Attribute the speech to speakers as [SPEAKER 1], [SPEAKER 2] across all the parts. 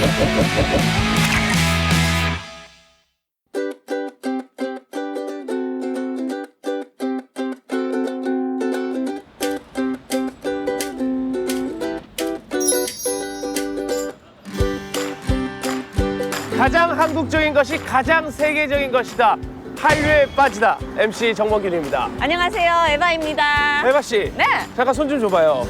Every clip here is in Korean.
[SPEAKER 1] 가장 한국적인 것이 가장 세계적인 것이다. 한류에 빠지다. MC 정범균입니다.
[SPEAKER 2] 안녕하세요, 에바입니다.
[SPEAKER 1] 에바 씨.
[SPEAKER 2] 네.
[SPEAKER 1] 잠깐 손 좀 줘봐요.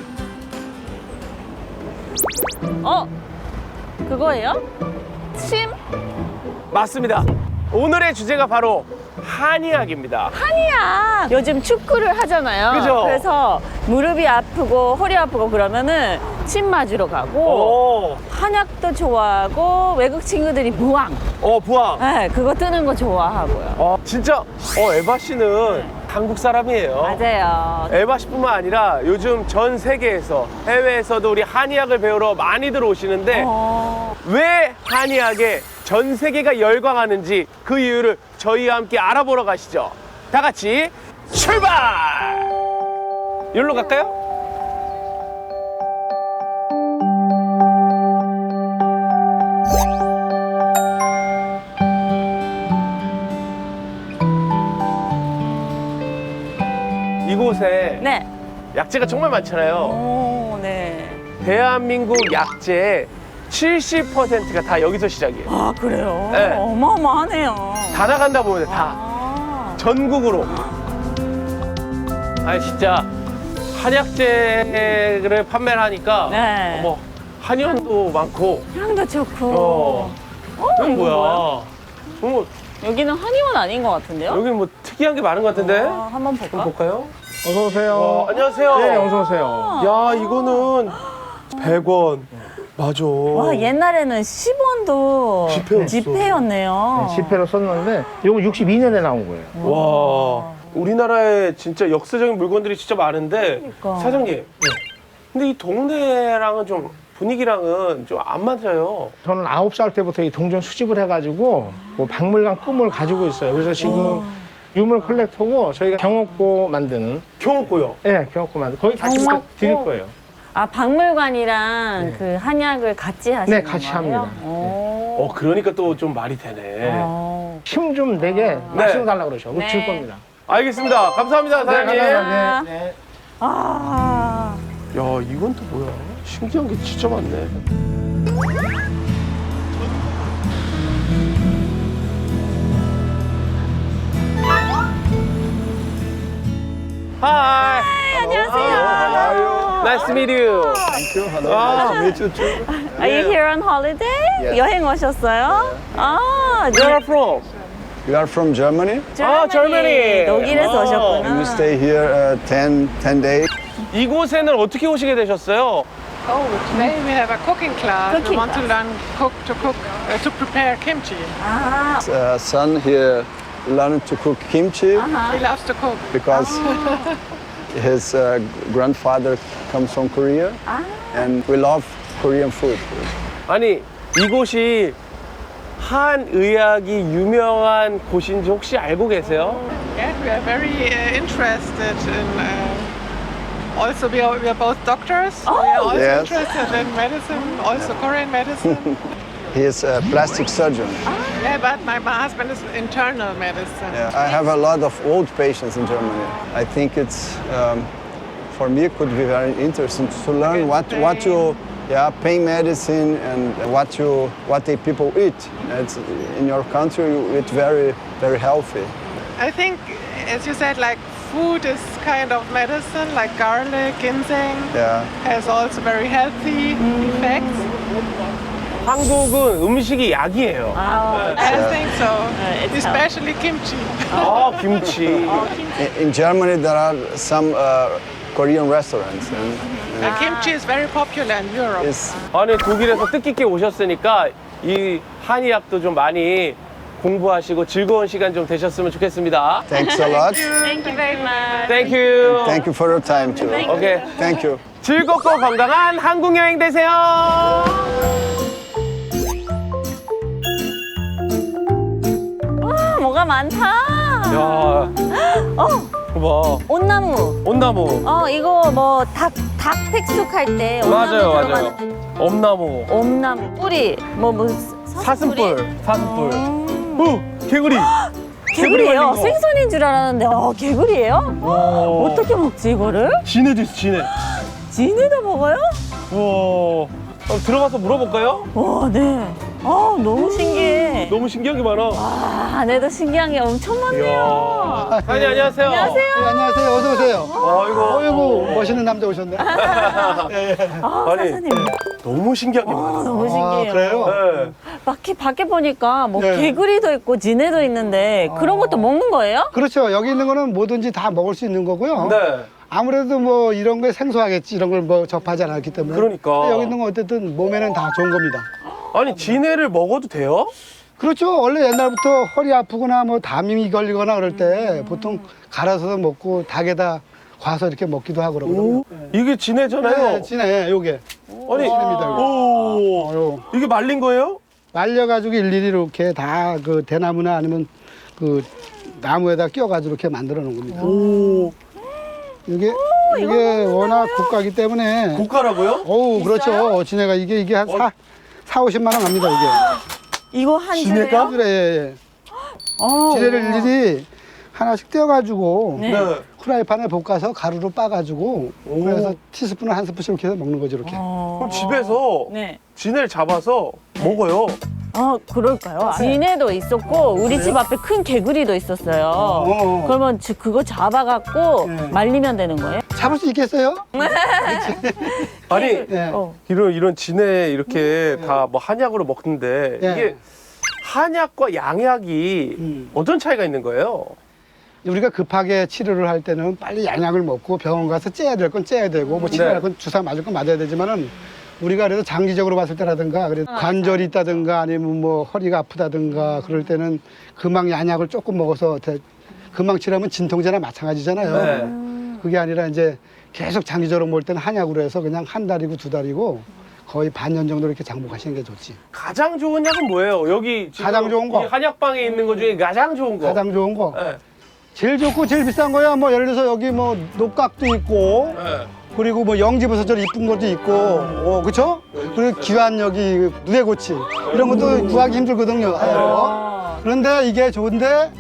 [SPEAKER 2] 그거예요? 침?
[SPEAKER 1] 맞습니다. 오늘의 주제가 바로 한의학입니다.
[SPEAKER 2] 한의학. 요즘 축구를 하잖아요.
[SPEAKER 1] 그죠?
[SPEAKER 2] 그래서 무릎이 아프고 허리 아프고 그러면은 침 맞으러 가고
[SPEAKER 1] 오,
[SPEAKER 2] 한약도 좋아하고 외국 친구들이 부항.
[SPEAKER 1] 부항.
[SPEAKER 2] 네, 그거 뜨는 거 좋아하고요.
[SPEAKER 1] 진짜, 에바 씨는 한국 사람이에요.
[SPEAKER 2] 맞아요.
[SPEAKER 1] 에바 씨뿐만 아니라 요즘 전 세계에서 해외에서도 우리 한의학을 배우러 많이들 오시는데 왜 한의학에 전 세계가 열광하는지 그 이유를 저희와 함께 알아보러 가시죠. 다 같이 출발! 여기로 갈까요? 이곳에
[SPEAKER 2] 네.
[SPEAKER 1] 약재가 정말 많잖아요.
[SPEAKER 2] 오, 네.
[SPEAKER 1] 대한민국 약재의 70%가 다 여기서 시작이에요.
[SPEAKER 2] 아, 그래요?
[SPEAKER 1] 네.
[SPEAKER 2] 어마어마하네요.
[SPEAKER 1] 다 나간다 보면 돼, 다.
[SPEAKER 2] 아.
[SPEAKER 1] 전국으로. 아니, 진짜 한약재를 판매를 하니까
[SPEAKER 2] 네.
[SPEAKER 1] 뭐 한의원도 많고.
[SPEAKER 2] 향도 좋고.
[SPEAKER 1] 이건
[SPEAKER 2] 이거
[SPEAKER 1] 뭐야? 뭐,
[SPEAKER 2] 여기는 한의원 아닌 것 같은데요?
[SPEAKER 1] 여기 뭐 특이한 게 많은 것 같은데?
[SPEAKER 2] 한번 볼까?
[SPEAKER 1] 한번 볼까요?
[SPEAKER 3] 어서 오세요.
[SPEAKER 1] 안녕하세요.
[SPEAKER 3] 네, 어서 오세요.
[SPEAKER 1] 야, 이거는 100원. 맞아.
[SPEAKER 2] 와, 옛날에는 10원도
[SPEAKER 1] 지폐였어.
[SPEAKER 2] 지폐였네요.
[SPEAKER 3] 10회로 썼는데 이거 62년에 나온 거예요.
[SPEAKER 1] 와, 우리나라에 진짜 역사적인 물건들이 진짜 많은데
[SPEAKER 2] 그러니까.
[SPEAKER 1] 사장님, 근데 이 동네랑은 좀 분위기랑은 좀 안 맞아요.
[SPEAKER 3] 저는 9살 때부터 이 동전 수집을 해가지고 뭐 박물관 꿈을 가지고 있어요. 그래서 지금 유물 컬렉터고 저희가 경옥고 만드는
[SPEAKER 1] 경옥고요.
[SPEAKER 3] 경옥고 만드는 거기 같이
[SPEAKER 2] 경옥고?
[SPEAKER 3] 드릴 거예요.
[SPEAKER 2] 아, 박물관이랑
[SPEAKER 3] 네.
[SPEAKER 2] 그 한약을 같이 하시는
[SPEAKER 3] 네, 같이
[SPEAKER 2] 거예요?
[SPEAKER 3] 합니다.
[SPEAKER 2] 오.
[SPEAKER 1] 그러니까 또 좀 말이 되네.
[SPEAKER 3] 힘 좀 내게 말씀 달라고 그러셔.
[SPEAKER 2] 네.
[SPEAKER 3] 줄 겁니다.
[SPEAKER 1] 알겠습니다. 감사합니다, 사장님.
[SPEAKER 3] 감사합니다. 네, 네.
[SPEAKER 2] 아.
[SPEAKER 1] 야, 이건 또 뭐야? 신기한 게 진짜 많네. Hi.
[SPEAKER 2] 안녕하세요.
[SPEAKER 1] Nice to meet you.
[SPEAKER 4] Thank you. Hello.
[SPEAKER 1] Ah.
[SPEAKER 4] Nice to meet you too.
[SPEAKER 2] Are you here on holiday?
[SPEAKER 4] Yes.
[SPEAKER 2] 여행 오셨어요? 아,
[SPEAKER 1] Where are you from?
[SPEAKER 4] You are from Germany?
[SPEAKER 1] Germany.
[SPEAKER 2] 독일에서
[SPEAKER 1] 아.
[SPEAKER 2] 오셨구나.
[SPEAKER 4] And you stay here 10 days.
[SPEAKER 1] 이곳에는 어떻게 오시게 되셨어요?
[SPEAKER 5] Oh, today we have a cooking class.
[SPEAKER 2] Cooking
[SPEAKER 5] we want to
[SPEAKER 2] class.
[SPEAKER 5] learn to prepare kimchi.
[SPEAKER 2] 아,
[SPEAKER 4] Son here learned to cook kimchi
[SPEAKER 5] He loves to cook.
[SPEAKER 4] because his grandfather comes from Korea, and we love Korean food.
[SPEAKER 1] 아니, 이곳이 한의학이 유명한 곳인지 혹시 알고 계세요?
[SPEAKER 5] Yeah, we are very interested in. Also, we are both doctors. We are also
[SPEAKER 4] Yes.
[SPEAKER 5] interested in medicine, also Korean medicine.
[SPEAKER 4] He is a plastic surgeon.
[SPEAKER 5] Yeah, but my husband is internal medicine.
[SPEAKER 4] Yeah. I have a lot of old patients in Germany. I think it's for me it could be very interesting to learn what you pain medicine and what the people eat. It's, in your country you eat very healthy.
[SPEAKER 5] I think, as you said, like food is kind of medicine, like garlic, ginseng
[SPEAKER 4] Yeah.
[SPEAKER 5] has also very healthy effects.
[SPEAKER 1] 한국은 음식이 약이에요.
[SPEAKER 2] 아,
[SPEAKER 5] I think so,
[SPEAKER 2] it's
[SPEAKER 5] especially kimchi.
[SPEAKER 1] 김치.
[SPEAKER 4] In Germany there are some Korean restaurants and
[SPEAKER 5] Kimchi is very popular in Europe.
[SPEAKER 4] it's
[SPEAKER 1] 아니, 독일에서 뜻깊게 오셨으니까 이 한의학도 좀 많이 공부하시고 즐거운 시간 좀 되셨으면 좋겠습니다.
[SPEAKER 4] thanks a lot.
[SPEAKER 2] Thank you very much.
[SPEAKER 1] Thank you.
[SPEAKER 4] Thank you for your time too.
[SPEAKER 1] 오케이.
[SPEAKER 4] Thank you.
[SPEAKER 1] 즐겁고 건강한 한국 여행 되세요.
[SPEAKER 2] 와, 뭐가 많다.
[SPEAKER 1] 야, 봐.
[SPEAKER 2] 온나무.
[SPEAKER 1] 온나무.
[SPEAKER 2] 이거 뭐 닭 닭 백숙할 때
[SPEAKER 1] 맞아요,
[SPEAKER 2] 엄나무
[SPEAKER 1] 맞아요.
[SPEAKER 2] 들어가는
[SPEAKER 1] 엄나무,
[SPEAKER 2] 엄나무 뿌리 뭐
[SPEAKER 1] 사슴뿔, 사슴뿔. 개구리.
[SPEAKER 2] 개구리예요.
[SPEAKER 1] 말린 거.
[SPEAKER 2] 생선인 줄 알았는데 개구리예요?
[SPEAKER 1] 와.
[SPEAKER 2] 어떻게 먹지 이거를?
[SPEAKER 1] 진해도 있어, 진해.
[SPEAKER 2] 진에다 먹어요?
[SPEAKER 1] 우와. 들어가서 물어볼까요?
[SPEAKER 2] 와, 네. 너무 신기해.
[SPEAKER 1] 너무 신기한 게 많아.
[SPEAKER 2] 안에도 신기한 게 엄청 많네요.
[SPEAKER 1] 이야. 사장님 안녕하세요.
[SPEAKER 2] 안녕하세요.
[SPEAKER 6] 네, 안녕하세요. 어서 오세요.
[SPEAKER 1] 아이고.
[SPEAKER 6] 어이구 멋있는 남자 오셨네.
[SPEAKER 1] 아니,
[SPEAKER 2] 사장님.
[SPEAKER 1] 너무 신기한 게 많아.
[SPEAKER 2] 너무 신기해요.
[SPEAKER 6] 그래요?
[SPEAKER 1] 네.
[SPEAKER 2] 밖에 보니까 뭐
[SPEAKER 6] 네.
[SPEAKER 2] 개구리도 있고 진해도 있는데 그런 것도 먹는 거예요?
[SPEAKER 6] 그렇죠. 여기 있는 거는 뭐든지 다 먹을 수 있는 거고요.
[SPEAKER 1] 네.
[SPEAKER 6] 아무래도 뭐 이런 게 생소하겠지. 이런 걸 뭐 접하지 않았기 때문에.
[SPEAKER 1] 그러니까.
[SPEAKER 6] 여기 있는 건 어쨌든 몸에는 다 좋은 겁니다.
[SPEAKER 1] 아니, 진해를 먹어도 돼요?
[SPEAKER 6] 그렇죠. 원래 옛날부터 허리 아프거나 뭐 담이 걸리거나 그럴 때 보통 갈아서 먹고 닭에다 과서 이렇게 먹기도 하고 그러거든요.
[SPEAKER 1] 이게 진해잖아요.
[SPEAKER 6] 네, 진해 요게.
[SPEAKER 1] 아니,
[SPEAKER 6] 진해입니다, 이거.
[SPEAKER 1] 오. 이게 말린 거예요?
[SPEAKER 6] 말려가지고 일일이 이렇게 다 그 대나무나 아니면 그 나무에다 끼워가지고 이렇게 만들어 놓은 겁니다.
[SPEAKER 1] 오.
[SPEAKER 6] 이게 워낙 고가기 때문에.
[SPEAKER 1] 고가라고요?
[SPEAKER 6] 어우, 그렇죠. 진해가 이게 한 4, 50만 원 갑니다,
[SPEAKER 2] 이거 한
[SPEAKER 1] 진해가?
[SPEAKER 2] 줄에요?
[SPEAKER 6] 이게. 예. 지뢰를 일일이 하나씩 떼어가지고
[SPEAKER 2] 네.
[SPEAKER 6] 후라이팬에 볶아서 가루로 빻아가지고 그래서 티스푼을 한 스푼씩 이렇게 해서 먹는 거죠, 이렇게.
[SPEAKER 1] 그럼 집에서
[SPEAKER 2] 네.
[SPEAKER 1] 진해를 잡아서 먹어요.
[SPEAKER 2] 그럴까요? 진해도 있었고 우리 집 앞에 큰 개구리도 있었어요. 그러면 그거 잡아갖고
[SPEAKER 6] 네.
[SPEAKER 2] 말리면 되는 거예요?
[SPEAKER 6] 잡을 수 있겠어요?
[SPEAKER 1] 아니,
[SPEAKER 6] 네.
[SPEAKER 1] 이런 진해 이렇게 다 뭐 한약으로 먹는데
[SPEAKER 6] 예.
[SPEAKER 1] 이게 한약과 양약이 어떤 차이가 있는 거예요?
[SPEAKER 6] 우리가 급하게 치료를 할 때는 빨리 양약을 먹고 병원 가서 째야 될 건 째야 되고 뭐 치료할
[SPEAKER 1] 네.
[SPEAKER 6] 건 주사 맞을 건 맞아야 되지만은 우리가 그래도 장기적으로 봤을 때라든가 그래도 관절이 있다든가 아니면 뭐 허리가 아프다든가 그럴 때는 금방 양약을 조금 먹어서 금방 치료하면 진통제나 마찬가지잖아요.
[SPEAKER 1] 네.
[SPEAKER 6] 그게 아니라 이제 계속 장기적으로 먹을 때는 한약으로 해서 그냥 한 달이고 두 달이고 거의 반년 정도 이렇게 장복하시는 게 좋지.
[SPEAKER 1] 가장 좋은 약은 뭐예요? 여기 지금
[SPEAKER 6] 가장 좋은 거.
[SPEAKER 1] 이 한약방에 있는 것 중에 가장 좋은 거.
[SPEAKER 6] 가장 좋은 거.
[SPEAKER 1] 네.
[SPEAKER 6] 제일 좋고 제일 비싼 거야. 뭐 예를 들어서 여기 뭐 녹각도 있고
[SPEAKER 1] 네.
[SPEAKER 6] 그리고 뭐 영지버섯처럼 이쁜 것도 있고, 그쵸? 그리고 귀한 여기 누에고치 이런 것도 구하기 힘들거든요. 그런데 이게 좋은데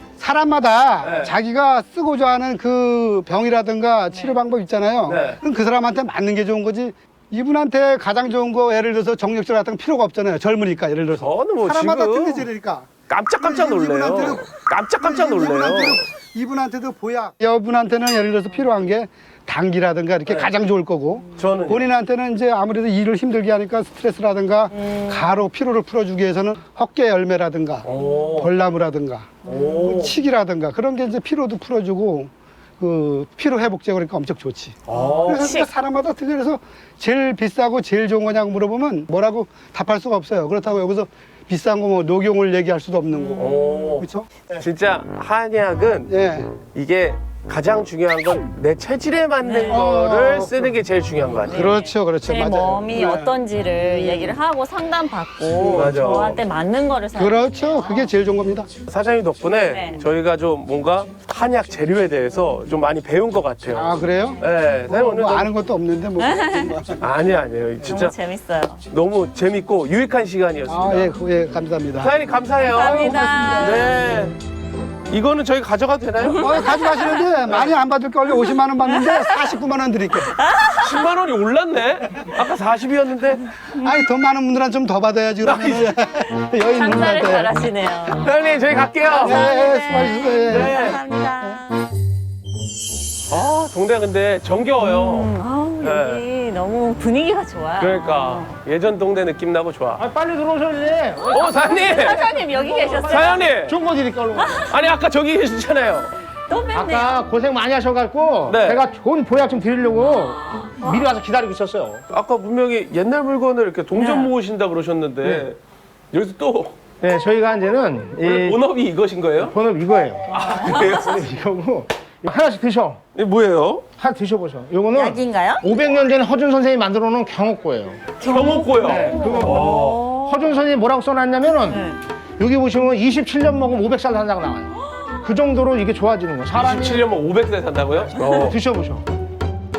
[SPEAKER 6] 사람마다
[SPEAKER 1] 네.
[SPEAKER 6] 자기가 쓰고자 하는 그 병이라든가 치료 방법 있잖아요.
[SPEAKER 1] 네.
[SPEAKER 6] 그럼 그 사람한테 맞는 게 좋은 거지. 이분한테 가장 좋은 거 예를 들어서 정력질 같은 거 필요가 없잖아요. 젊으니까 예를 들어서.
[SPEAKER 1] 저는 뭐
[SPEAKER 6] 사람마다
[SPEAKER 1] 지금
[SPEAKER 6] 틀리지니까.
[SPEAKER 1] 깜짝깜짝 놀래요. 깜짝깜짝 놀래요.
[SPEAKER 6] 이분한테도 보약. 여분한테는 예를 들어서 필요한 게 당기라든가 이렇게 가장 좋을 거고.
[SPEAKER 1] 저는요?
[SPEAKER 6] 본인한테는 이제 아무래도 일을 힘들게 하니까 스트레스라든가 가로 피로를 풀어주기 위해서는 헛개 열매라든가
[SPEAKER 1] 오.
[SPEAKER 6] 벌나무라든가
[SPEAKER 1] 오.
[SPEAKER 6] 칡이라든가 그런 게 이제 피로도 풀어주고 그 피로 회복제 그러니까 엄청 좋지.
[SPEAKER 1] 아.
[SPEAKER 6] 그래서 진짜 사람마다 틀려. 그래서 제일 비싸고 제일 좋은 거냐고 물어보면 뭐라고 답할 수가 없어요. 그렇다고 여기서 비싼 거 뭐 녹용을 얘기할 수도 없는 거고.
[SPEAKER 1] 오.
[SPEAKER 6] 그렇죠?
[SPEAKER 1] 진짜 한약은
[SPEAKER 6] 예.
[SPEAKER 1] 이게 가장 중요한 건 내 체질에 맞는 거를 쓰는 게 제일 중요한 것 같아요.
[SPEAKER 6] 그렇죠, 그렇죠.
[SPEAKER 2] 제
[SPEAKER 6] 맞아요.
[SPEAKER 2] 몸이
[SPEAKER 6] 네.
[SPEAKER 2] 어떤지를 얘기를 하고 상담받고
[SPEAKER 1] 맞아.
[SPEAKER 2] 저한테 맞는 거를 사요.
[SPEAKER 6] 그렇죠. 그게 제일 좋은 겁니다.
[SPEAKER 1] 사장님 덕분에
[SPEAKER 2] 네.
[SPEAKER 1] 저희가 좀 뭔가 한약 재료에 대해서 좀 많이 배운 것 같아요.
[SPEAKER 6] 아, 그래요?
[SPEAKER 1] 네, 사장님 오늘
[SPEAKER 6] 뭐
[SPEAKER 1] 너무-
[SPEAKER 6] 아는 것도 없는데 뭐.
[SPEAKER 1] 아니에요. 진짜
[SPEAKER 2] 너무 재밌어요.
[SPEAKER 1] 너무 재밌고 유익한 시간이었습니다.
[SPEAKER 6] 아, 예, 예, 감사합니다.
[SPEAKER 1] 사장님 감사해요.
[SPEAKER 2] 감사합니다.
[SPEAKER 1] 네. 이거는 저희 가져가도 되나요?
[SPEAKER 6] 가져가시는데 많이 안 받을 걸요. 50만 원 받는데 49만 원 드릴게요.
[SPEAKER 1] 10만 원이 올랐네. 아까 40이었는데.
[SPEAKER 6] 아니, 돈 많은 분들은 좀 더 받아야지. 그러면 여유 있는
[SPEAKER 2] 장사를
[SPEAKER 6] 분한테.
[SPEAKER 2] 잘하시네요.
[SPEAKER 1] 사장님 저희 갈게요.
[SPEAKER 6] 예, 예, 수고하셨어요. 예.
[SPEAKER 1] 네.
[SPEAKER 2] 감사합니다.
[SPEAKER 1] 아 동네 근데 정겨워요.
[SPEAKER 2] 여기 너무 분위기가 좋아요.
[SPEAKER 1] 그러니까 예전 동네 느낌 나고 좋아.
[SPEAKER 3] 아, 빨리 들어오셔야지.
[SPEAKER 1] 사장님.
[SPEAKER 2] 사장님 여기 계셨어요?
[SPEAKER 1] 사장님.
[SPEAKER 3] 좋은 거 드릴까, 얼른.
[SPEAKER 1] 아니 아까 저기 계시잖아요.
[SPEAKER 2] 또 뵙네요.
[SPEAKER 3] 아까 고생 많이 하셔갖고
[SPEAKER 1] 네.
[SPEAKER 3] 제가 좋은 보약 좀 드리려고 미리 와서 기다리고 있었어요.
[SPEAKER 1] 아까 분명히 옛날 물건을 이렇게 동전
[SPEAKER 2] 네.
[SPEAKER 1] 모으신다 그러셨는데 여기서 또
[SPEAKER 3] 네, 저희가 이제는 이
[SPEAKER 1] 본업이 이것인 거예요?
[SPEAKER 3] 본업 이거예요.
[SPEAKER 1] 그래요?
[SPEAKER 3] 이거고 이거 하나씩 드셔.
[SPEAKER 1] 이게 뭐예요?
[SPEAKER 3] 하나 드셔보셔. 요거는
[SPEAKER 2] 약인가요?
[SPEAKER 3] 500년 전에 허준 선생님이 만들어 놓은 경옥고예요.
[SPEAKER 1] 경옥고요.
[SPEAKER 3] 네, 그거 허준 선생님이 뭐라고 써놨냐면은 여기 보시면 27년 먹으면 500살 산다고 나와요. 그 정도로 이게 좋아지는 거예요. 사람이
[SPEAKER 1] 27년만 500세 산다고요?
[SPEAKER 3] 드셔보셔.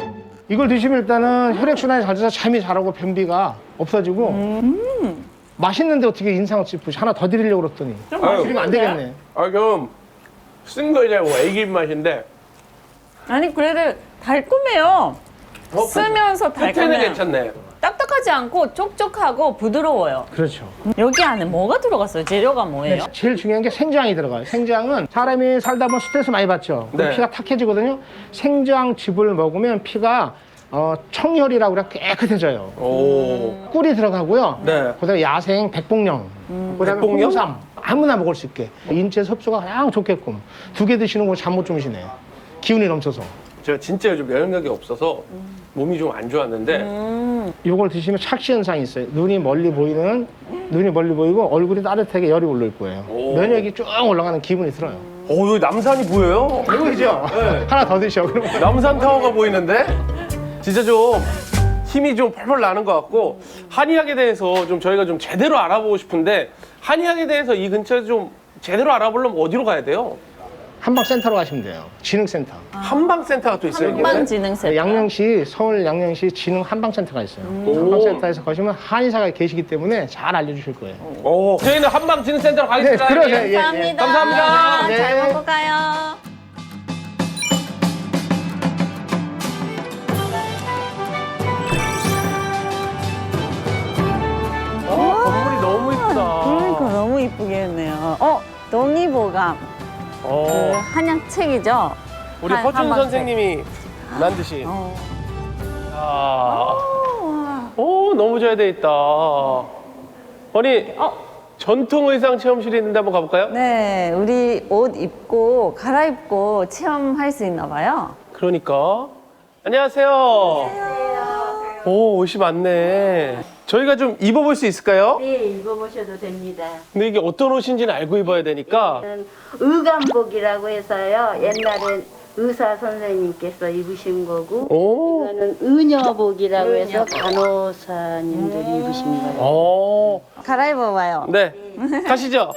[SPEAKER 3] 이걸 드시면 일단은 혈액순환이 잘 돼서 잠이 잘 오고 변비가 없어지고 맛있는데 어떻게 인상을 찌푸시 하나 더 드리려고 그랬더니 드리면 안 되겠네.
[SPEAKER 1] 좀 쓴 거냐고 애기 입맛인데
[SPEAKER 2] 아니 그래도 달콤해요. 쓰면서
[SPEAKER 1] 패트는
[SPEAKER 2] 달콤해요.
[SPEAKER 1] 괜찮네.
[SPEAKER 2] 딱딱하지 않고 촉촉하고 부드러워요.
[SPEAKER 3] 그렇죠.
[SPEAKER 2] 여기 안에 뭐가 들어갔어요? 재료가 뭐예요?
[SPEAKER 3] 제일 중요한 게 생장이 들어가요. 생장은 사람이 살다 보면 스트레스 많이 받죠. 그럼
[SPEAKER 1] 네.
[SPEAKER 3] 피가 탁해지거든요. 생장즙을 먹으면 피가 청혈이라고 그래 깨끗해져요.
[SPEAKER 1] 오.
[SPEAKER 3] 꿀이 들어가고요.
[SPEAKER 1] 네.
[SPEAKER 3] 그다음에 야생 백봉령, 그다음에
[SPEAKER 1] 백봉령?
[SPEAKER 3] 홍삼 아무나 먹을 수 있게 인체 섭수가 가장 좋게끔 2개 드시는 거 잠 못 주무시네. 기운이 넘쳐서.
[SPEAKER 1] 제가 진짜 요즘 면역력이 없어서 몸이 좀 안 좋았는데
[SPEAKER 3] 이걸 드시면 착시 현상이 있어요. 눈이 멀리 보이고 얼굴이 따뜻하게 열이 올릴 거예요.
[SPEAKER 1] 오.
[SPEAKER 3] 면역이 쭉 올라가는 기분이 들어요.
[SPEAKER 1] 여기 남산이 보여요.
[SPEAKER 3] 보이죠?
[SPEAKER 1] 네.
[SPEAKER 3] 하나 더 드셔. 그러면.
[SPEAKER 1] 남산 타워가 보이는데 진짜 좀 힘이 좀 펄펄 나는 것 같고 한의학에 대해서 좀 저희가 좀 제대로 알아보고 싶은데 한의학에 대해서 이 근처에서 좀 제대로 알아보려면 어디로 가야 돼요?
[SPEAKER 3] 한방센터로 가시면 돼요. 지능센터.
[SPEAKER 1] 한방센터가 또 있어요. 이게?
[SPEAKER 2] 한방지능센터.
[SPEAKER 3] 양령시, 서울 양령시 지능 한방센터가 있어요. 한방센터에서 가시면 한의사가 계시기 때문에 잘 알려주실 거예요.
[SPEAKER 1] 오. 저희는 한방진흥센터로 가겠습니다.
[SPEAKER 3] 네, 그러세요. 예, 예.
[SPEAKER 2] 감사합니다.
[SPEAKER 1] 감사합니다.
[SPEAKER 3] 네.
[SPEAKER 2] 잘 먹고 가요.
[SPEAKER 1] 건물이 너무 이쁘다.
[SPEAKER 2] 그러니까 너무 이쁘게 했네요. 동의보감. 그 한약 책이죠?
[SPEAKER 1] 우리 허준
[SPEAKER 2] 한방책.
[SPEAKER 1] 선생님이 만드신.
[SPEAKER 2] 어.
[SPEAKER 1] 아. 오, 너무 잘 돼 있다. 아니, 전통 의상 체험실이 있는데 한번 가볼까요?
[SPEAKER 2] 네, 우리 옷 입고 갈아입고 체험할 수 있나 봐요.
[SPEAKER 1] 그러니까. 안녕하세요. 오, 옷이 많네. 저희가 좀 입어볼 수 있을까요?
[SPEAKER 7] 네, 입어보셔도 됩니다.
[SPEAKER 1] 근데 이게 어떤 옷인지는 알고 입어야 되니까.
[SPEAKER 7] 의감복이라고 해서요. 옛날에 의사 선생님께서 입으신 거고,
[SPEAKER 1] 오.
[SPEAKER 7] 이거는 의녀복이라고 해서 간호사님들이 입으신 거예요.
[SPEAKER 1] 오.
[SPEAKER 2] 갈아입어봐요.
[SPEAKER 1] 네. 가시죠.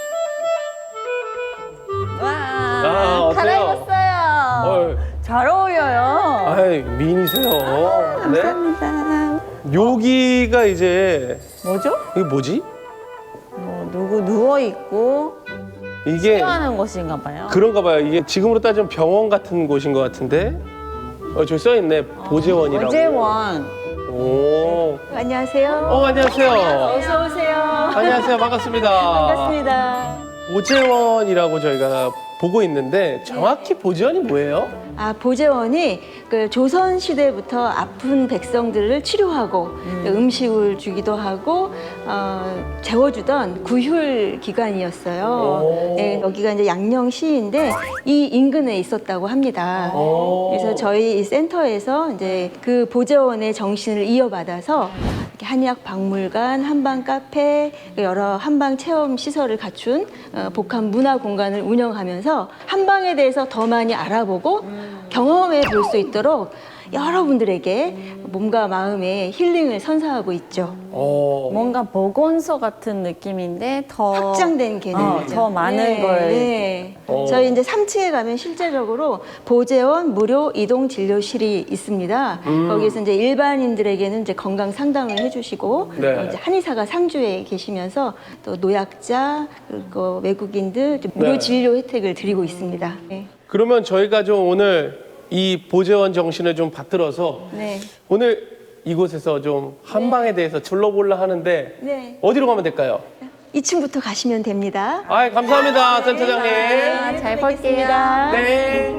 [SPEAKER 2] 와,
[SPEAKER 1] 어때요?
[SPEAKER 2] 갈아입었어요. 잘 어울려요.
[SPEAKER 1] 아이, 미인이세요. 네.
[SPEAKER 2] 감사합니다.
[SPEAKER 1] 여기가 이제,
[SPEAKER 2] 뭐죠?
[SPEAKER 1] 이게 뭐지?
[SPEAKER 2] 누구 누워있고
[SPEAKER 1] 이게
[SPEAKER 2] 치료하는 곳인가 봐요.
[SPEAKER 1] 그런가 봐요. 이게 지금으로 따지면 병원 같은 곳인 것 같은데. 저기 써있네. 보재원이라고.
[SPEAKER 2] 보재원.
[SPEAKER 1] 오.
[SPEAKER 7] 안녕하세요.
[SPEAKER 1] 안녕하세요.
[SPEAKER 7] 어서 오세요.
[SPEAKER 1] 안녕하세요. 반갑습니다.
[SPEAKER 7] 반갑습니다.
[SPEAKER 1] 보재원이라고 저희가 보고 있는데 정확히 보재원이 뭐예요?
[SPEAKER 7] 보재원이 그 조선 시대부터 아픈 백성들을 치료하고 음식을 주기도 하고 재워주던 구휼 기관이었어요. 네, 여기가 이제 양령시인데 이 인근에 있었다고 합니다. 그래서 저희 이 센터에서 이제 그 보재원의 정신을 이어받아서 이렇게 한의학 박물관, 한방 카페, 여러 한방 체험 시설을 갖춘 복합 문화 공간을 운영하면서 한방에 대해서 더 많이 알아보고 경험해 볼 수 있도록 여러분들에게 몸과 마음의 힐링을 선사하고 있죠.
[SPEAKER 2] 뭔가 보건소 같은 느낌인데 더
[SPEAKER 7] 확장된 개념이죠.
[SPEAKER 2] 더 많은 걸.
[SPEAKER 7] 네. 저희 이제 3층에 가면 실제적으로 보재원 무료 이동 진료실이 있습니다. 거기서 이제 일반인들에게는 이제 건강 상담을 해주시고
[SPEAKER 1] 네.
[SPEAKER 7] 이제 한의사가 상주에 계시면서 또 노약자 그리고 외국인들 무료
[SPEAKER 1] 네.
[SPEAKER 7] 진료 혜택을 드리고 있습니다. 네.
[SPEAKER 1] 그러면 저희가 좀 오늘 이 보재원 정신을 좀 받들어서
[SPEAKER 7] 네.
[SPEAKER 1] 오늘 이곳에서 좀 한방에 대해서 둘러보려 하는데
[SPEAKER 7] 네.
[SPEAKER 1] 어디로 가면 될까요?
[SPEAKER 7] 2층부터 가시면 됩니다.
[SPEAKER 1] 감사합니다, 센터장님.
[SPEAKER 2] 잘 볼게요.
[SPEAKER 1] 네.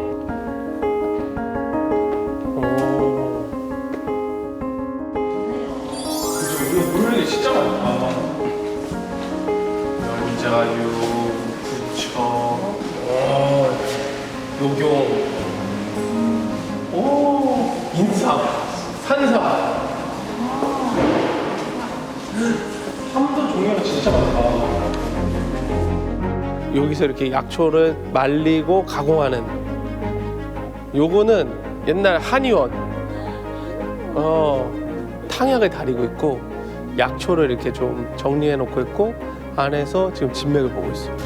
[SPEAKER 1] 물이 진짜 많다. 연자유, 부처, 녹용, 인삼, 산삼. 삼도 종류가 진짜 많다. 여기서 이렇게 약초를 말리고 가공하는 요거는 옛날 한의원 탕약을 다리고 있고 약초를 이렇게 좀 정리해 놓고 있고 안에서 지금 진맥을 보고 있어요.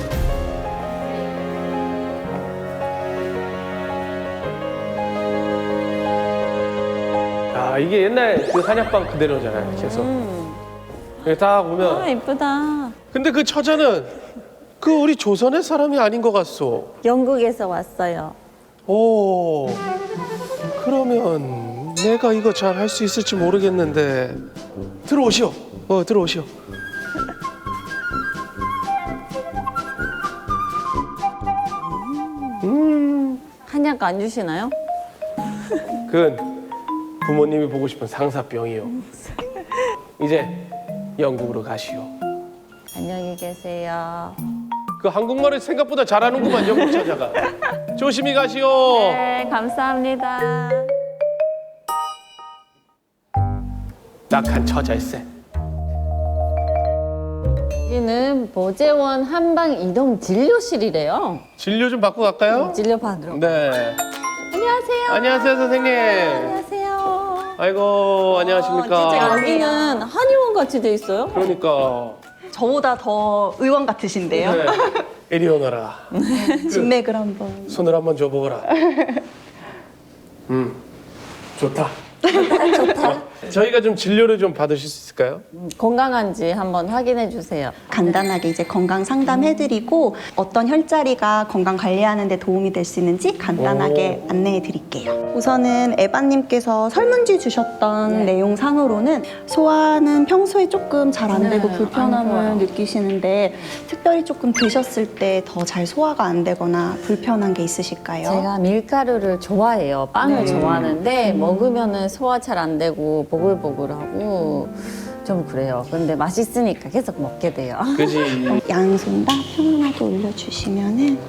[SPEAKER 1] 야, 이게 옛날 그 한약방 그대로잖아요, 계속. 여기 딱 오면.
[SPEAKER 2] 아, 예쁘다.
[SPEAKER 1] 근데 그 처자는 그 우리 조선의 사람이 아닌 것 같소.
[SPEAKER 2] 영국에서 왔어요.
[SPEAKER 1] 오, 그러면 내가 이거 잘 할 수 있을지 모르겠는데. 들어오시오. 들어오시오.
[SPEAKER 2] 한약 안 주시나요?
[SPEAKER 1] 그건 부모님이 보고 싶은 상사병이요. 이제 영국으로 가시오.
[SPEAKER 2] 안녕히 계세요.
[SPEAKER 1] 그 한국말을 생각보다 잘하는구만, 영국 처자가. 조심히 가시오.
[SPEAKER 2] 네, 감사합니다.
[SPEAKER 1] 낙한 처자일세.
[SPEAKER 2] 여기는 보재원 한방 이동 진료실이래요.
[SPEAKER 1] 진료 좀 받고 갈까요?
[SPEAKER 2] 진료 받으러.
[SPEAKER 1] 네.
[SPEAKER 2] 안녕하세요.
[SPEAKER 1] 안녕하세요, 선생님.
[SPEAKER 2] 안녕하세요.
[SPEAKER 1] 아이고, 안녕하십니까.
[SPEAKER 2] 진짜 여기는 한의원 같이 돼 있어요?
[SPEAKER 1] 그러니까.
[SPEAKER 8] 저보다 더 의원 같으신데요.
[SPEAKER 1] 네. 이리 오너라.
[SPEAKER 8] 진맥을 한번.
[SPEAKER 1] 손을 한번 줘보거라. 좋다. 좋다. 저희가 좀 진료를 좀 받으실 수 있을까요?
[SPEAKER 2] 건강한지 한번 확인해 주세요.
[SPEAKER 8] 간단하게 이제 건강 상담해드리고 어떤 혈자리가 건강 관리하는 데 도움이 될 수 있는지 간단하게 안내해 드릴게요. 우선은 에바님께서 설문지 주셨던 내용상으로는 소화는 평소에 조금 잘 안 되고
[SPEAKER 2] 안
[SPEAKER 8] 불편함을
[SPEAKER 2] 좋아요.
[SPEAKER 8] 느끼시는데 특별히 조금 드셨을 때 더 잘 소화가 안 되거나 불편한 게 있으실까요?
[SPEAKER 2] 제가 밀가루를 좋아해요. 빵을 좋아하는데 먹으면은 소화 잘 안 되고 보글보글하고 좀 그래요. 근데 맛있으니까 계속 먹게 돼요.
[SPEAKER 1] 그지.
[SPEAKER 8] 양손 다 편안하게 올려주시면은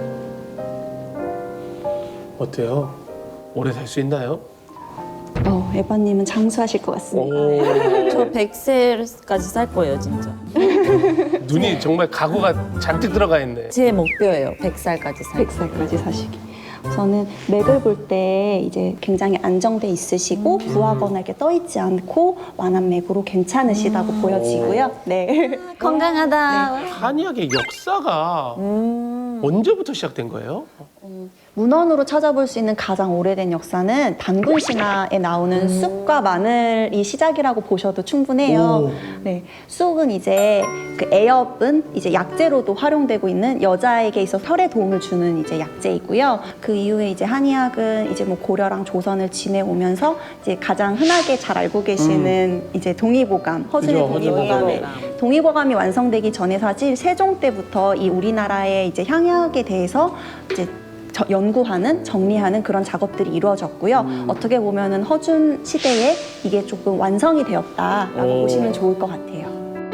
[SPEAKER 1] 어때요? 오래 살 수 있나요?
[SPEAKER 8] 에바님은 장수하실 것 같습니다.
[SPEAKER 1] 오.
[SPEAKER 2] 저 100세까지 살 거예요, 진짜.
[SPEAKER 1] 눈이 정말 각오가 잔뜩 들어가 있네.
[SPEAKER 2] 제 목표예요. 100살까지 살.
[SPEAKER 8] 100살까지 사시기. 우선은 맥을 볼 때 이제 굉장히 안정돼 있으시고 부하거나 이렇게 떠 있지 않고 완한 맥으로 괜찮으시다고 보여지고요. 네.
[SPEAKER 2] 건강하다.
[SPEAKER 1] 한의학의 역사가 언제부터 시작된 거예요?
[SPEAKER 8] 문헌으로 찾아볼 수 있는 가장 오래된 역사는 단군 신화에 나오는 쑥과 마늘이 시작이라고 보셔도 충분해요. 네, 쑥은 이제 그 애엽은 이제 약재로도 활용되고 있는 여자에게 있어 혈에 도움을 주는 이제 약재이고요. 그 이후에 이제 한의학은 이제 뭐 고려랑 조선을 지내오면서 이제 가장 흔하게 잘 알고 계시는 이제 동의보감, 허준의
[SPEAKER 1] 그죠,
[SPEAKER 8] 동의보감에 동의보감이 완성되기 전에 사실 세종 때부터 이 우리나라의 이제 향약에 대해서 이제 연구하는, 정리하는 그런 작업들이 이루어졌고요. 어떻게 보면은 허준 시대에 이게 조금 완성이 되었다라고 보시면 좋을 것 같아요.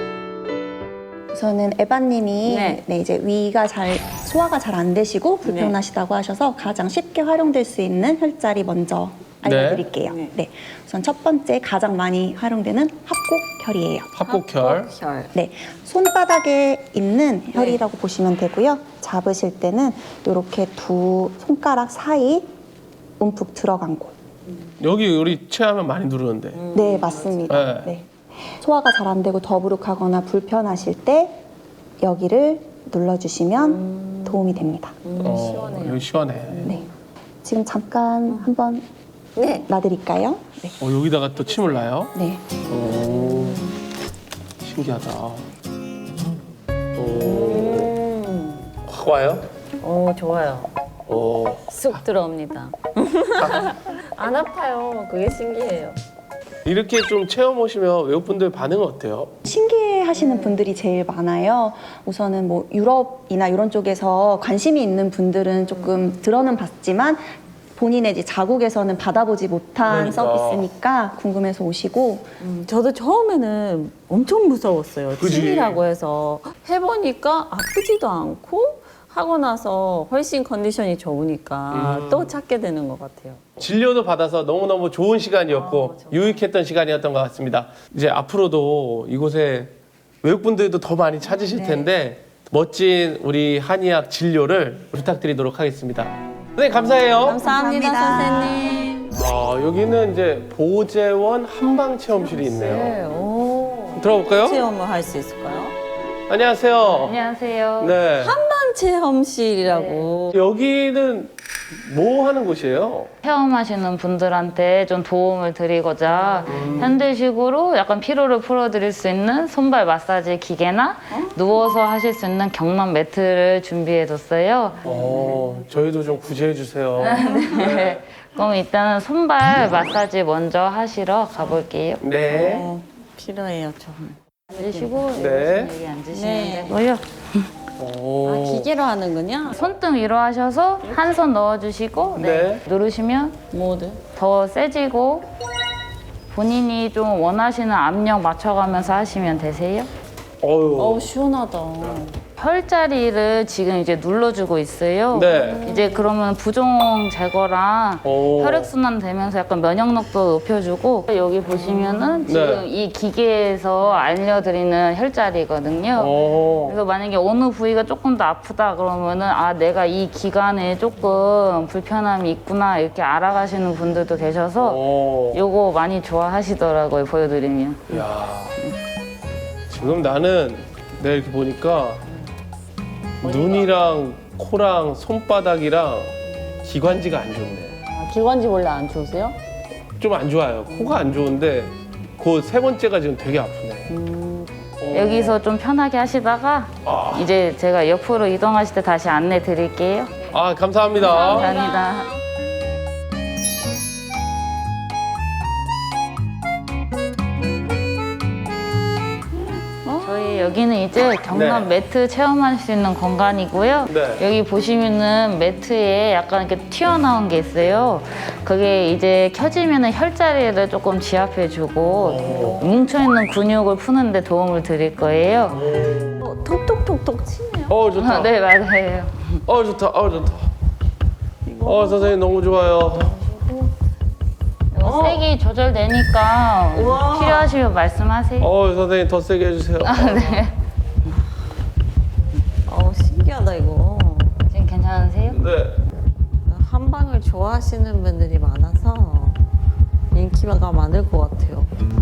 [SPEAKER 8] 우선은 에바님이
[SPEAKER 2] 네.
[SPEAKER 8] 이제 소화가 잘 안 되시고 불편하시다고 하셔서 가장 쉽게 활용될 수 있는 혈자리 먼저 알려드릴게요. 네. 우선 첫 번째 가장 많이 활용되는 합곡혈이에요.
[SPEAKER 1] 합곡혈.
[SPEAKER 8] 네, 손바닥에 있는 혈이라고 보시면 되고요. 잡으실 때는 이렇게 두 손가락 사이 움푹 들어간 곳.
[SPEAKER 1] 여기 우리 체하면 많이 누르는데.
[SPEAKER 8] 네, 맞습니다. 네. 소화가 잘 안 되고 더부룩하거나 불편하실 때 여기를 눌러주시면 도움이 됩니다.
[SPEAKER 2] 시원해요.
[SPEAKER 1] 여기 시원해.
[SPEAKER 8] 네. 지금 잠깐 한번 놔드릴까요? 네.
[SPEAKER 1] 여기다가 또 침을 놔요?
[SPEAKER 8] 네.
[SPEAKER 1] 오, 신기하다. 오, 확 와요?
[SPEAKER 2] 오, 좋아요.
[SPEAKER 1] 오,
[SPEAKER 2] 쑥 들어옵니다. 안 아파요. 그게 신기해요.
[SPEAKER 1] 이렇게 좀 체험 오시면 외국분들 반응은 어때요?
[SPEAKER 8] 신기해 하시는 분들이 제일 많아요. 우선은 뭐 유럽이나 이런 쪽에서 관심이 있는 분들은 조금 들어는 봤지만 본인의 이제 자국에서는 받아보지 못한
[SPEAKER 1] 그러니까.
[SPEAKER 8] 서비스니까 궁금해서 오시고
[SPEAKER 2] 저도 처음에는 엄청 무서웠어요.
[SPEAKER 1] 그지?
[SPEAKER 2] 침이라고 해서 해보니까 아프지도 않고 하고 나서 훨씬 컨디션이 좋으니까 또 찾게 되는 것 같아요.
[SPEAKER 1] 진료도 받아서 너무너무 좋은 시간이었고 유익했던 시간이었던 것 같습니다. 이제 앞으로도 이곳에 외국분들도 더 많이 찾으실 텐데 멋진 우리 한의학 진료를 부탁드리도록 하겠습니다. 선생님 감사해요.
[SPEAKER 2] 감사합니다, 선생님.
[SPEAKER 1] 여기는 이제 보재원 한방체험실이 있네요.
[SPEAKER 2] 네, 오.
[SPEAKER 1] 들어볼까요?
[SPEAKER 2] 체험을 할 수 있을까요?
[SPEAKER 1] 안녕하세요.
[SPEAKER 2] 안녕하세요.
[SPEAKER 1] 네.
[SPEAKER 2] 한방 체험실이라고.
[SPEAKER 1] 여기는 뭐 하는 곳이에요?
[SPEAKER 9] 체험하시는 분들한테 좀 도움을 드리고자 현대식으로 약간 피로를 풀어드릴 수 있는 손발 마사지 기계나 누워서 하실 수 있는 경남 매트를 준비해뒀어요.
[SPEAKER 1] 저희도 좀 구제해 주세요.
[SPEAKER 9] 네. 그럼 일단은 손발 마사지 먼저 하시러 가볼게요.
[SPEAKER 1] 네.
[SPEAKER 2] 필요해요, 좀.
[SPEAKER 9] 앉으시고
[SPEAKER 1] 네.
[SPEAKER 9] 여기 앉으시면
[SPEAKER 2] 네.
[SPEAKER 9] 되고요.
[SPEAKER 2] 아, 기계로 하는군요.
[SPEAKER 9] 손등 위로 하셔서 한 손 넣어주시고
[SPEAKER 1] 네.
[SPEAKER 9] 누르시면
[SPEAKER 2] 모두.
[SPEAKER 9] 더 세지고 본인이 좀 원하시는 압력 맞춰가면서 하시면 되세요.
[SPEAKER 1] 어유.
[SPEAKER 2] 시원하다.
[SPEAKER 9] 혈자리를 지금 이제 눌러주고 있어요.
[SPEAKER 1] 네.
[SPEAKER 9] 이제 그러면 부종 제거랑
[SPEAKER 1] 오.
[SPEAKER 9] 혈액순환 되면서 약간 면역력도 높여주고 여기 보시면은 지금
[SPEAKER 1] 네.
[SPEAKER 9] 이 기계에서 알려드리는 혈자리거든요. 그래서 만약에 어느 부위가 조금 더 아프다 그러면은 아 내가 이 기관에 조금 불편함이 있구나 이렇게 알아가시는 분들도 계셔서 요거 많이 좋아하시더라고요 보여드리면.
[SPEAKER 1] 야. 지금 나는 내가 이렇게 보니까 눈이랑 코랑 손바닥이랑 기관지가 안 좋네.
[SPEAKER 2] 기관지 원래 안 좋으세요?
[SPEAKER 1] 좀 안 좋아요. 코가 안 좋은데 그 세 번째가 지금 되게 아프네.
[SPEAKER 9] 여기서 좀 편하게 하시다가 이제 제가 옆으로 이동하실 때 다시 안내 드릴게요.
[SPEAKER 1] 아, 감사합니다.
[SPEAKER 9] 감사합니다. 저희 여기는 이제 경남
[SPEAKER 1] 네.
[SPEAKER 9] 매트 체험할 수 있는 공간이고요.
[SPEAKER 1] 네.
[SPEAKER 9] 여기 보시면은 매트에 약간 이렇게 튀어나온 게 있어요. 그게 이제 켜지면은 혈자리를 조금 지압해주고 뭉쳐있는 근육을 푸는데 도움을 드릴 거예요.
[SPEAKER 2] 톡톡톡톡 치네요.
[SPEAKER 1] 좋다.
[SPEAKER 9] 네, 맞아요.
[SPEAKER 1] 좋다. 좋다. 선생님 너무 좋아요.
[SPEAKER 9] 색이 조절되니까 필요하시면 말씀하세요.
[SPEAKER 1] 선생님 더 세게 해주세요.
[SPEAKER 9] 네.
[SPEAKER 2] 신기하다, 이거.
[SPEAKER 9] 지금 괜찮으세요?
[SPEAKER 1] 네.
[SPEAKER 2] 한방을 좋아하시는 분들이 많아서 인기가 많을 것 같아요.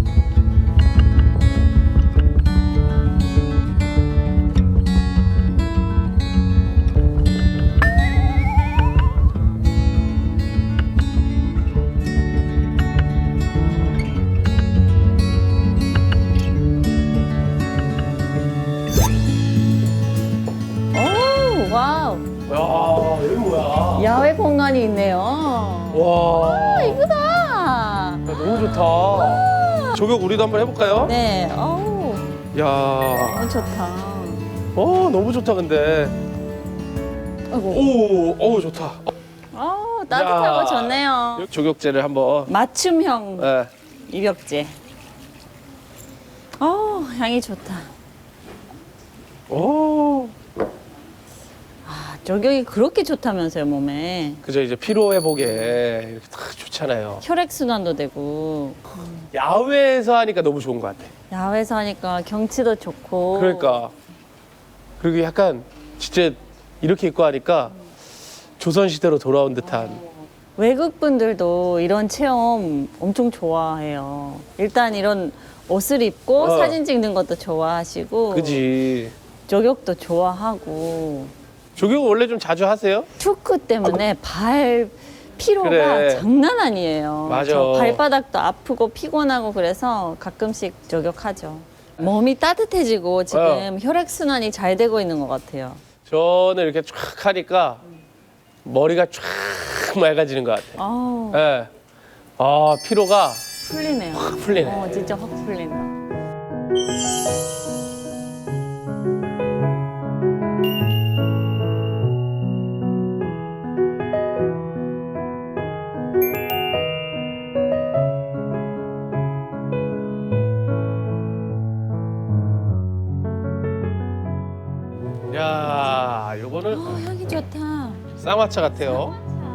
[SPEAKER 2] 와우.
[SPEAKER 1] 야, 여기 뭐야?
[SPEAKER 2] 야외 공간이 있네요.
[SPEAKER 1] 와.
[SPEAKER 2] 이거다.
[SPEAKER 1] 야, 너무 좋다. 조격 우리도 한번 해볼까요?
[SPEAKER 2] 네. 어우,
[SPEAKER 1] 야.
[SPEAKER 2] 너무 좋다.
[SPEAKER 1] 너무 좋다, 근데.
[SPEAKER 2] 아이고.
[SPEAKER 1] 좋다.
[SPEAKER 2] 따뜻하고
[SPEAKER 1] 야.
[SPEAKER 2] 좋네요.
[SPEAKER 1] 조격제를 한번.
[SPEAKER 2] 맞춤형
[SPEAKER 1] 네.
[SPEAKER 2] 입욕제. 향이 좋다. 저격이 그렇게 좋다면서요, 몸에.
[SPEAKER 1] 그죠, 이제 피로 회복에 이렇게 딱 좋잖아요.
[SPEAKER 2] 혈액순환도 되고.
[SPEAKER 1] 야외에서 하니까 너무 좋은 것 같아.
[SPEAKER 2] 야외에서 하니까 경치도 좋고.
[SPEAKER 1] 그러니까. 그리고 약간 진짜 이렇게 입고 하니까 조선시대로 돌아온 듯한.
[SPEAKER 2] 외국 분들도 이런 체험 엄청 좋아해요. 일단 이런 옷을 입고 사진 찍는 것도 좋아하시고.
[SPEAKER 1] 그지.
[SPEAKER 2] 저격도 좋아하고.
[SPEAKER 1] 조격을 원래 좀 자주 하세요?
[SPEAKER 2] 축구 때문에 발 피로가
[SPEAKER 1] 그래.
[SPEAKER 2] 장난 아니에요.
[SPEAKER 1] 맞아.
[SPEAKER 2] 저 발바닥도 아프고 피곤하고 그래서 가끔씩 저격하죠. 몸이 따뜻해지고 지금 혈액순환이 잘 되고 있는 것 같아요.
[SPEAKER 1] 저는 이렇게 쫙 하니까 머리가 쫙 맑아지는 것 같아요. 네. 피로가
[SPEAKER 2] 풀리네요.
[SPEAKER 1] 확 풀리네.
[SPEAKER 2] 진짜 확 풀린다.
[SPEAKER 1] 야, 요거는
[SPEAKER 2] 향이 좋다.
[SPEAKER 1] 쌍화차 같아요.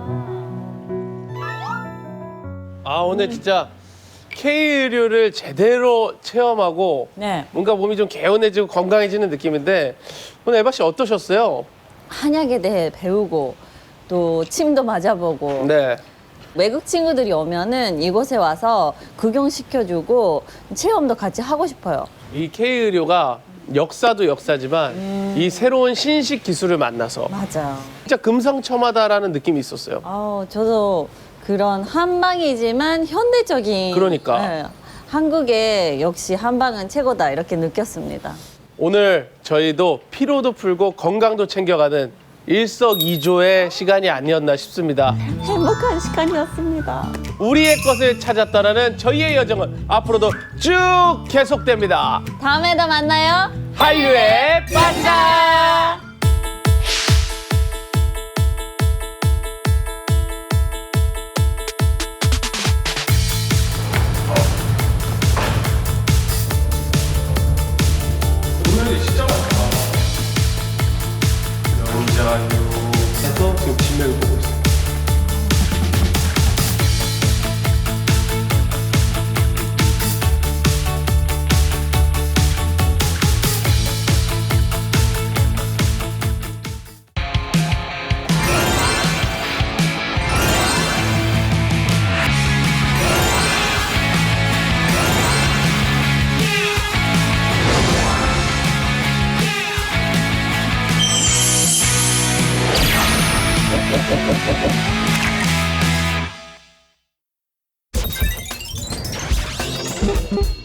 [SPEAKER 1] 오늘 진짜 K의료를 제대로 체험하고
[SPEAKER 2] 네.
[SPEAKER 1] 뭔가 몸이 좀 개운해지고 건강해지는 느낌인데 오늘 에바 씨 어떠셨어요?
[SPEAKER 2] 한약에 대해 배우고 또 침도 맞아보고
[SPEAKER 1] 네.
[SPEAKER 2] 외국 친구들이 오면은 이곳에 와서 구경시켜주고 체험도 같이 하고 싶어요.
[SPEAKER 1] 이 K의료가 역사도 역사지만 이 새로운 신식 기술을 만나서
[SPEAKER 2] 맞아요.
[SPEAKER 1] 진짜 금상첨화다라는 느낌이 있었어요.
[SPEAKER 2] 저도 그런 한방이지만 현대적인.
[SPEAKER 1] 그러니까.
[SPEAKER 2] 네, 한국의 역시 한방은 최고다 이렇게 느꼈습니다.
[SPEAKER 1] 오늘 저희도 피로도 풀고 건강도 챙겨가는 일석이조의 시간이 아니었나 싶습니다.
[SPEAKER 2] 행복한 시간이었습니다.
[SPEAKER 1] 우리의 것을 찾았다라는 저희의 여정은 앞으로도 쭉 계속됩니다.
[SPEAKER 2] 다음에도 만나요.
[SPEAKER 1] 한류의 반짝! 오늘이 진짜 많다. 영자유에서 지금 진맥을 보고 있어요.
[SPEAKER 10] Thank you.